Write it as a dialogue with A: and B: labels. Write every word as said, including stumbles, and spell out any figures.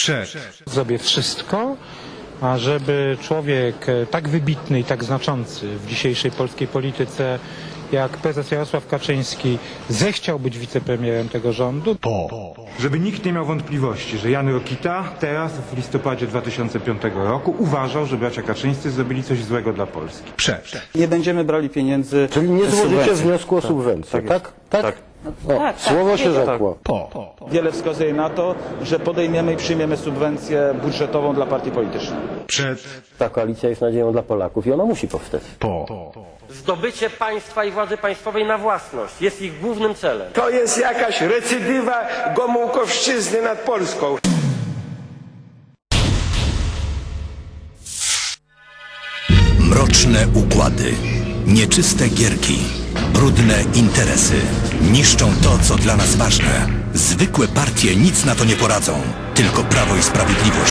A: Przed.
B: Zrobię wszystko, ażeby człowiek tak wybitny i tak znaczący w dzisiejszej polskiej polityce jak prezes Jarosław Kaczyński zechciał być wicepremierem tego rządu.
A: Po. Żeby nikt nie miał wątpliwości, że Jan Rokita teraz w listopadzie dwa tysiące piątego roku uważał, że bracia Kaczyńscy zrobili coś złego dla Polski. Przed.
C: Nie będziemy brali pieniędzy.
D: Czyli nie
C: z
D: złożycie
C: subwencji.
D: wniosku o subwencję, tak? Tak?
C: Tak.
D: O,
E: Tak,
D: słowo
E: tak,
D: się
E: tak.
D: rzekło.
A: Po.
C: Wiele wskazuje na to, że podejmiemy i przyjmiemy subwencję budżetową dla partii politycznych.
A: Przed.
D: Ta koalicja jest nadzieją dla Polaków i ona musi powstać.
A: Po.
F: Zdobycie państwa i władzy państwowej na własność jest ich głównym celem.
G: To jest jakaś recydywa Gomułkowszczyzny nad Polską.
H: Mroczne układy, nieczyste gierki, brudne interesy niszczą to, co dla nas ważne. Zwykłe partie nic na to nie poradzą, tylko Prawo i Sprawiedliwość